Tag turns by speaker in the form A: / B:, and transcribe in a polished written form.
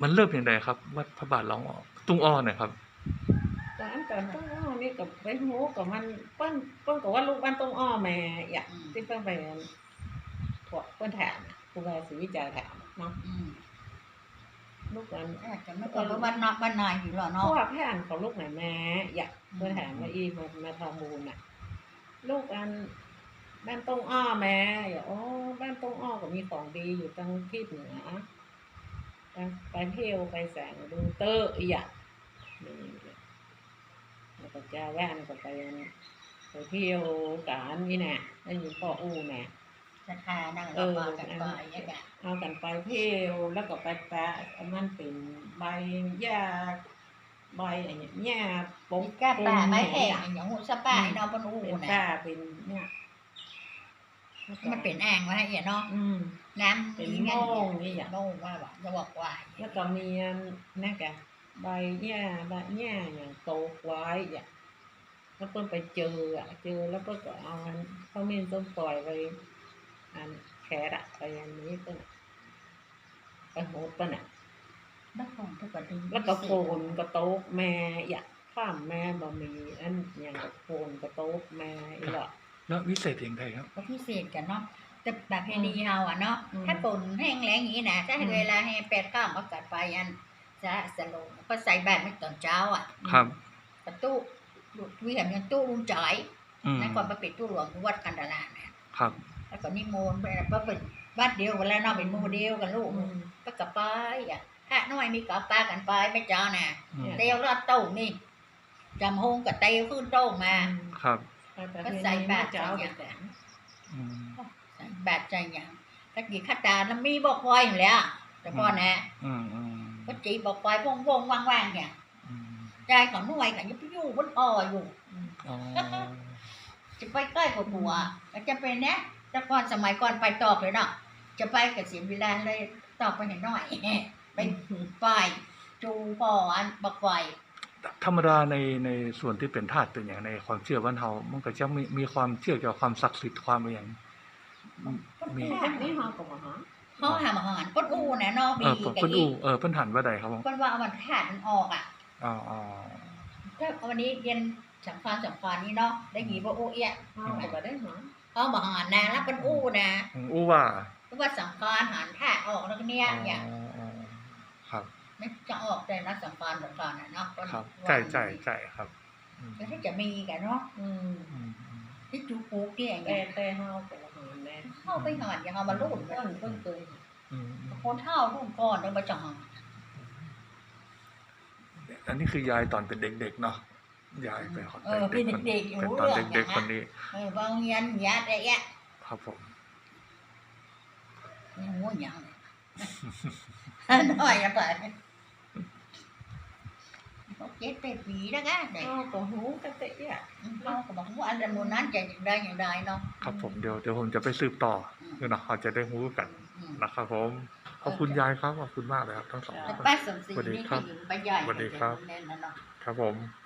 A: มันเริ่มอย่างไรครับวัดพระบาทหลวงตุ้งอ้อเนี่ยครับ
B: การต้องอ้อนี่กับไปโหกับมันเปิ้นกับว่าลูกบ้านต้องอ้อแม่อยากที่เปิ้นไปพวกเปิ้นถามครูบาศรีวิจารณ์ถามเนาะลูกนั้น
C: จะไม่ก็บ้านนอกบ้านนายอยู่หรอเนาะ
B: พวกแพนของลูกไหนแม่อยากเปิ้นถามว่าอีมาทองมูลน่ะลูกอันบ้านต้องอ้อแม่อย่าบ้านต้องอ้อก็มีของดีอยู่ทางทิศเหนือไปเที่ยวไปแสงดูเตอร์อีกอย่างแล้วก็จะแว่นก็ไปเที่ยวกันนี่แน่แล้วอยู่พ่ออู้แน่
C: ราคานั่งเรามากันไปอย่างเงี้ย
B: เอากันไปเที่ยวแล้วก็ไปแปะมันเป็นใบหญ้าใบอะไรเงี้ยหญ้าปง
C: ก้าป่าไม้แห้งอย่างหัวสะป่าเนาะปนอู้
B: เป็น
C: นะ
B: ป่าเป็นเนี่ย
C: มันเป็นอ่างวะเหี้ยเนาะน้ำ
B: เป็นโม่งนี่อย่าง
C: โม่งว่าแบบจะบอกว่า
B: แล้วก็มีนั่นแกใบหญ้าอย่างโตไว้อย่างแล้วเพิ่นไปเจอแล้วเพิ่นก็เอาเขาเม่นต้นปล่อยไปอันแขกไปอันนี้เพิ่นไปโหดเพิ่น
C: แล้วก่อนทุกคน
B: แล้วก็โฟนกระโต๊ะแม่อยากข้ามแม่บ่มีอันอย่างกับโฟนกระโต๊ะแม่อีหล่ะ
A: แล้ววิเศษอย่างไรครับ
C: ก็พิเศษกันเนาะแต่แบบเพณีเฮาอ่ะเนาะถ้าฝนแห้งแล้งอย่างนี้นะถ้าเวลาให้8 ค่ำอากาศไปอันจะสลงก็ใส่บาตรไม่ตอนเช้าอ่ะ
A: ครับ
C: ประตูวิหารยังตู้ลุงจ่อยนั่นก่อนไปปิดตู้หลวงวัดกันดารานะครับแล้วก็นิมนต์ไปก็เป็นบ้านเดียวกันแล้วเนาะเป็นหมู่เดียวกันลูกก็กลับไปอ่ะถ้าน้อยมีกับป้ากันไปไม่เจ้าน่ะเตียวรอดโต้งนี่จำหงกับเตียวขึ้นโต้งมา
A: ครับ
C: ก็ใส่บาตรใจอย่างใส่บาตรใจอย่างตะกี้ขัดตาแล้วมีบอกไว้อยู่แล้วแต่พ่อนะก็จีบอกไว้วงว่างๆเนี่ยใจของน้อยกับยุบยู่บนอ่ออยู่จะไปใกล้กับหัวจะเป็นเนี้ยแต่ก่อนสมัยก่อนไปตอบเลยเนาะจะไปกับเสียเวลาเลยตอบไปหน่อยไปฝ่ายจูพออันบักไฟ
A: ธรรมดาในส่วนที่เป็นธาตุเป็นอย่างในความเชื่อบ้านเฮามันก็จะมีความเชื่อเกี่ยวกับความศักดิ์สิทธิ์ความอะไรอย่าง
B: มีนี่เฮาก็บ่ฮะ
C: เฮาหาอาหารก้นอูน่ะเนาะมี
A: กับก้นอูเพิ่นหันว่าใดครับ
C: ผมเพิ่นว่าเอามันธาตุมันออกอ่ะถ้าวันนี้เรียนสังขารนี่เนาะได้หีบ่โอเอีย
B: เฮาก็ได้หา
C: เอาบ่หารนะแล้วก้นอูนะ
A: อูว่า
C: สังขารหันธาตุออกแล้วเนี่ยอย่าง
A: ครับ
C: ไม่จะออกแต่นักสังขารน่ะเนาะ
A: ครับใจครับ
C: แล้วถ้าจะมีกันเนาะที่จูปูที่อย่างเงี้ย
B: แต่เฮาก็หารแน่
C: เฮาไปหารอย่างเฮามาลุ่น
B: เพิ่นเคย
C: คนเฒ่ารุ่นก่อนต้องมาจัง
A: อันนี้คือยายตอนเป็นเด็กๆเนาะยายไปขอ
C: เป็นเด็กๆอยู่
A: ตอนเด็กๆคนนี้
C: บางยันยาได้แยะ
A: ครับผม
C: นี่หัวหยังน้อยไป7 ปีแล้วนะเด็ก
B: ก็หูกะเตะอ่ะ
C: เราก็บอกว่าอันนั้นมูนั้นจะอย่างใดเนาะ
A: ครับผมเดี๋ยวผมจะไปสืบต่อเนาะเขาจะได้รู้กันนะครับผมขอบคุณยายครับขอบคุณมากเลยครับทั้งสอง
C: ป้าสมศรีนี่คืออยู่ป้าใหญ่
A: สวัสดีครับครับผม